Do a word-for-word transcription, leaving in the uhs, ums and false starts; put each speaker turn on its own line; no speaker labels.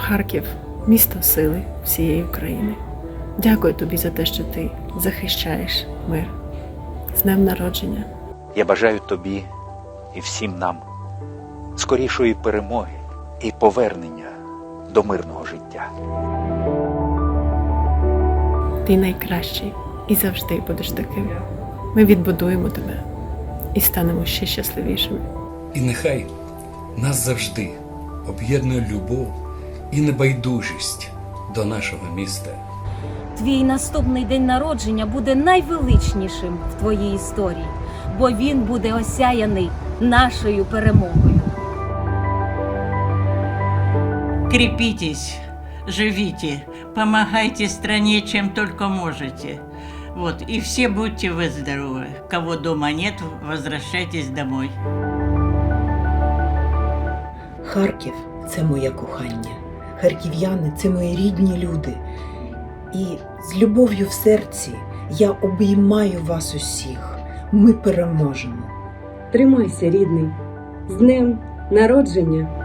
Харків – місто сили всієї України. Дякую тобі за те, що ти захищаєш мир. З днем народження!
Я бажаю тобі і всім нам скорішої перемоги і повернення до мирного життя.
Ти найкращий і завжди будеш таким. Ми відбудуємо тебе і станемо ще щасливішими.
І нехай нас завжди об'єднує любов і небайдужість до нашого міста.
Твій наступний день народження буде найвеличнішим в твоїй історії, бо він буде осяяний нашою перемогою.
Крепитесь, живите, помогайте стране, чем только можете. Вот, и все будьте вы здоровы. Кого дома нет, возвращайтесь домой.
Харків – це моє кохання. Харків'яни – це мої рідні люди. І з любов'ю в серці я обіймаю вас усіх. Ми переможемо.
Тримайся, рідний. З днем народження!